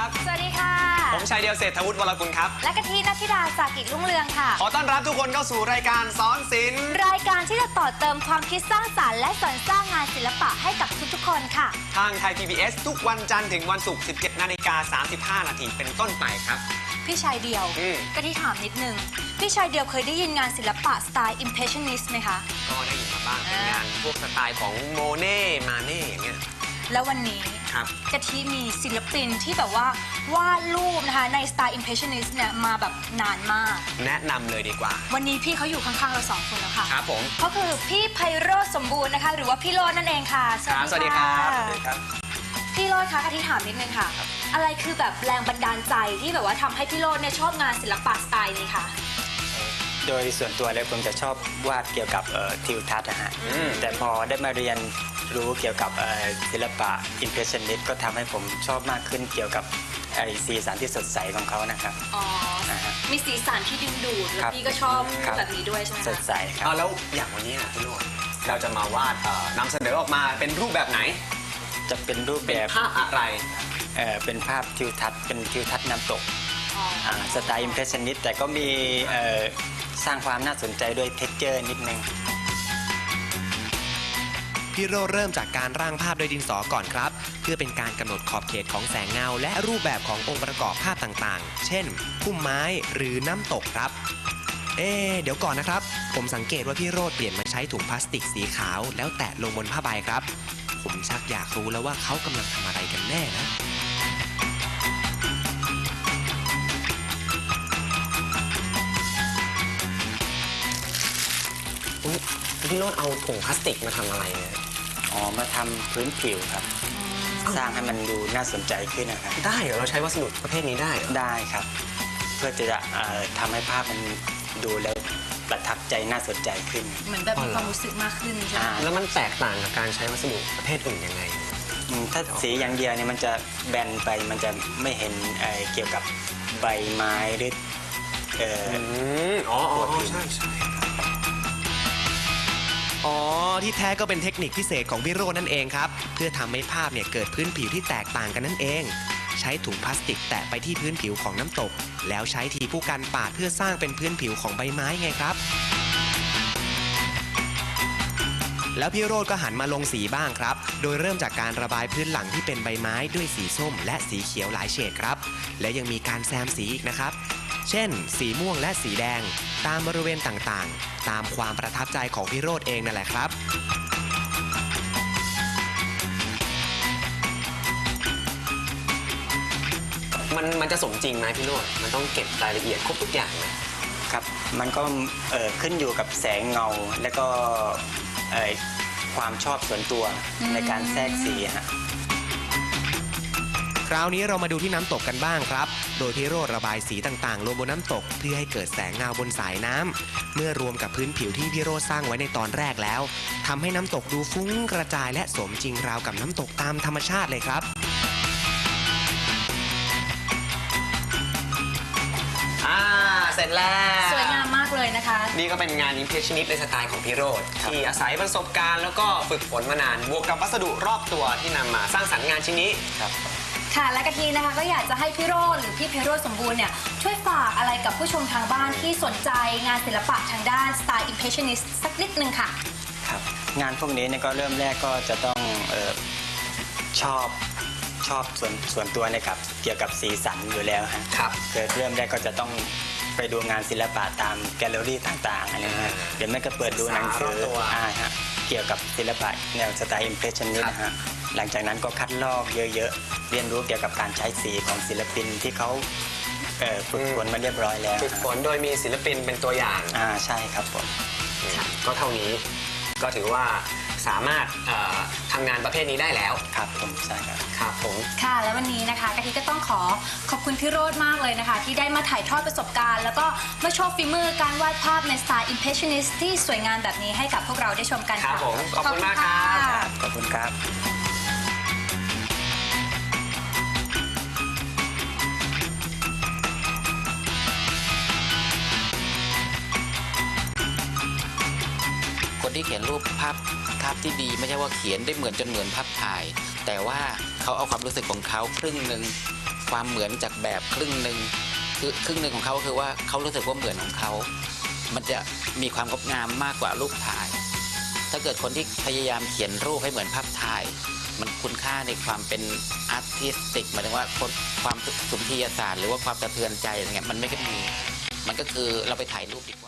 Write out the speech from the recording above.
ครับสวัสดีค่ะผมชัยเดียวเศรษฐวุฒิวรกุลครับและกะทินัทธิดาจากกิจรุ่งเรืองค่ะขอต้อนรับทุกคนเข้าสู่รายการสอนศิลป์รายการที่จะต่อเติมความคิดสร้างสรรค์และสอนสร้างงานศิลปะให้กับทุกๆคนค่ะทางไทย PBS ทุกวันจันทร์ถึงวันศุกร์ 17:35 น.เป็นต้นไปครับพี่ชายเดียวกะทิถามนิดนึงพี่ชายเดียวเคยได้ยินงานศิลปะสไตล์ Impressionist ไหมคะก็ได้ยินมาบ้างเป็นงานพวกสไตล์ของโมเน่ มาเน่อย่างเงี้ยแล้ววันนี้กะทิมีศิลปินที่แบบว่าวาดรูปนะคะในสไตล์ Impressionist เนี่ยมาแบบนานมากแนะนำเลยดีกว่าวันนี้พี่เขาอยู่ข้างๆเรา2 คนแล้วค่ะครับผมเขาคือพี่ไพโรจน์สมบูรณ์นะคะหรือว่าพี่โรจน์นั่นเองค่ะสวัสดีครับพี่โรจน์คะกะทิถามนิดนึงค่ะอะไรคือแบบแรงบันดาลใจที่แบบว่าทำให้พี่โรจน์เนี่ยชอบงานศิลปะสไตล์นี้ค่ะโดยส่วนตัวแล้วผมจะชอบวาดเกี่ยวกับทิวทัศน์นะฮะแต่พอได้มาเรียนรู้เกี่ยวกับศิลปะ Impressionist ก็ทำให้ผมชอบมากขึ้นเกี่ยวกับสีสันที่สดใสของเขานะครับอ๋อมีสีสันที่ดึงดูดแล้วพี่ก็ชอบแบบนี้ด้วยใช่ไหมสดใสครับแล้วอย่างวันนี้พี่โรจน์เราจะมาวาดนำเสนอออกมาเป็นรูปแบบไหนจะเป็นรูปแบบภาพอะไรเป็นภาพทิวทัศน์เป็นทิวทัศน์น้ำตกสไตล์ Impressionist แต่ก็มีสร้างความน่าสนใจด้วยเท็กเจอร์นิดนึงพี่โรเริ่มจากการร่างภาพโดยดินสอก่อนครับเพื่อเป็นการกำหนดขอบเขตของแสงเงาและรูปแบบขององค์ประกอบภาพต่างๆเช่นพุ่มไม้หรือน้ำตกครับเดี๋ยวก่อนนะครับผมสังเกตว่าพี่โรเปลี่ยนมาใช้ถุงพลาสติกสีขาวแล้วแตะลงบนผ้าใบครับผมชักอยากรู้แล้วว่าเขากำลังทำอะไรกันแน่นะพี่โรจน์เอาถุงพลาสติกมาทำอะไรเนี่ยมาทำพื้นผิวครับสร้างให้มันดูน่าสนใจขึ้นนะครับได้เหรอเราใช้วัสดุประเภทนี้ได้เหรอได้ครับเพื่อจะทำให้ภาพมันดูแล้วประทับใจน่าสนใจขึ้นเหมือนแบบมีความรู้สึกมากขึ้นใช่ไหมแล้วมันแตกต่างกับการใช้วัสดุประเภทอื่นยังไงถ้าสีอย่างเดียวเนี่ยมันจะแบนไปมันจะไม่เห็นเกี่ยวกับใบไม้หรือใช่ที่แท้ก็เป็นเทคนิคพิเศษของพี่โรจน์นั่นเองครับเพื่อทำให้ภาพเนี่ยเกิดพื้นผิวที่แตกต่างกันนั่นเองใช้ถุงพลาสติกแตะไปที่พื้นผิวของน้ำตกแล้วใช้ทีผู้กันปาดเพื่อสร้างเป็นพื้นผิวของใบไม้ไงครับแล้วพี่โรจน์ก็หันมาลงสีบ้างครับโดยเริ่มจากการระบายพื้นหลังที่เป็นใบไม้ด้วยสีส้มและสีเขียวหลายเฉดครับและยังมีการแซมสีอีกนะครับเช่นสีม่วงและสีแดงตามบริเวณต่างๆตามความประทับใจของพี่โรจน์เองนั่นแหละครับมันจะสมจริงไหมพี่โรจน์มันต้องเก็บรายละเอียดครบทุกอย่างไหมครับมันก็ขึ้นอยู่กับแสงเงาและก็ความชอบส่วนตัวในการแทรกสีฮะคราวนี้เรามาดูที่น้ำตกกันบ้างครับโดยพี่โรจน์ระบายสีต่างๆลงบนน้ำตกเพื่อให้เกิดแสงเงาบนสายน้ำเมื่อรวมกับพื้นผิวที่พี่โรจน์สร้างไว้ในตอนแรกแล้วทำให้น้ำตกดูฟุ้งกระจายและสมจริงราวกับน้ำตกตามธรรมชาติเลยครับเสร็จแล้วสวยงามมากเลยนะคะนี่ก็เป็นงาน Impressionist ในสไตล์ของพี่โรจน์ที่อาศัยประสบการณ์แล้วก็ฝึกฝนมานานบวกกับวัสดุรอบตัวที่นำมาสร้างสรรค์งานชิ้นนี้ครับค่ะและกะทินะคะก็อยากจะให้พี่โรจน์หรือพี่ไพโรจน์สมบูรณ์เนี่ยช่วยฝากอะไรกับผู้ชมทางบ้านที่สนใจงานศิลปะทางด้านสไตล์ Impressionist สักนิดนึงค่ะครับงานพวกนี้เนี่ยก็เริ่มแรกก็จะต้องชอบส่วนตัวนะครับเกี่ยวกับสีสันอยู่แล้วฮะครับเริ่มแรกก็จะต้องไปดูงานศิลปะตามแกลเลอรี่ต่างๆอะไรนะเดี๋ยวแม่ก็เปิดดูหนังสือเกี่ยวกับศิลปะแนวสไตล์ Impressionist นะฮะหลังจากนั้นก็คัดลอกเยอะๆเรียนรู้เกี่ยวกับการใช้สีของศิลปินที่เขาฝึกฝนมาเรียบร้อยแล้วฝึกฝนโดยมีศิลปินเป็นตัวอย่างใช่ครับผมก็เท่านี้ก็ถือว่าสามารถทำงานประเภทนี้ได้แล้วครับผมใช่ครับครับผมค่ะแล้ววันนี้นะคะกะทิก็ต้องขอบคุณพี่โรจน์มากเลยนะคะที่ได้มาถ่ายทอดประสบการณ์แล้วก็มาโชว์ฝีมือการวาดภาพในสไตล์ Impressionist ที่สวยงามแบบนี้ให้กับพวกเราได้ชมกันค่ะขอบคุณมากครับขอบคุณครับคนที่เขียนรูปภาพที่ดีไม่ใช่ว่าเขียนได้เหมือนจนเหมือนภาพถ่ายแต่ว่าเขาเอาความรู้สึกของเขาครึ่งหนึ่งความเหมือนจากแบบครึ่งหนึ่งคือครึ่งหนึ่งของเขาคือว่าเขารู้สึกว่าเหมือนของเขา มันจะมีความงดงามมากกว่ารูปถ่าย ถ้าเกิดคนที่พยายามเขียนรูปให้เหมือนภาพถ่าย มันคุณค่าในความเป็นอาร์ติสติกหมายถึงว่าความสุนทรียศาสตร์หรือว่าความสะเทือนใจอะไรเงี้ยมันไม่ค่อยมีมันก็คือเราไปถ่ายรูปดี